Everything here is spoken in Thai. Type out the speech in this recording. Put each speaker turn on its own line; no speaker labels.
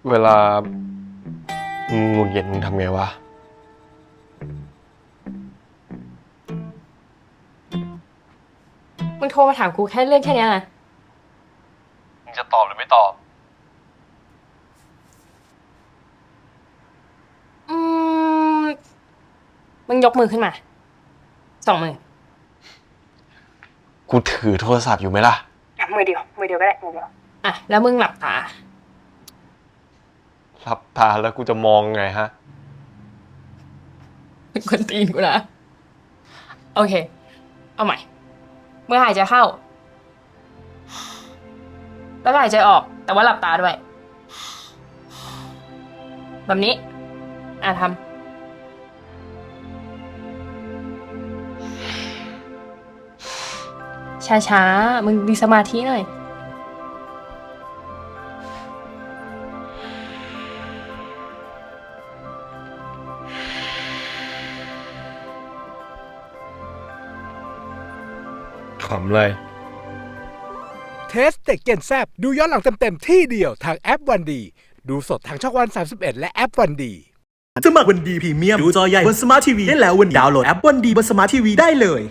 เวลามึงหงุดหงิดมึงทำไงวะ
มึงโทรมาถามกูแค่เรื่องแค่นี้นะ
มึงจะตอบหรือไม่ตอบ
อืมมึงยกมือขึ้นมา2 มือ
กูถือโทรศัพท์อยู่ไหมล่ะ
มือเดียวก็ได้มือเดียวแล้วมึงหลับตา
หลับตาแล้วกูจะมองไงฮะ
เป็นคนตีนกูนะโอเคเอาใหม่เมื่อหายใจเข้าแล้วก็หายใจออกแต่ว่าหลับตาด้วยแบบนี้ทำช้าๆมึงมีสมาธิหน่อย
ขำเลย
เทสเต็กเกนแซบดูย้อนหลังเต็มๆที่เดียวทางแอปวันดีดูสดทางช่องวัน31และแอปวันดี
สมัครวันดีพรีเมียมดูจอใหญ่บนสมาร์ททีวีได้แล้ววันนี้ดาวน์โหลดแอปวันดีบนสมาร์ททีวีได้เลย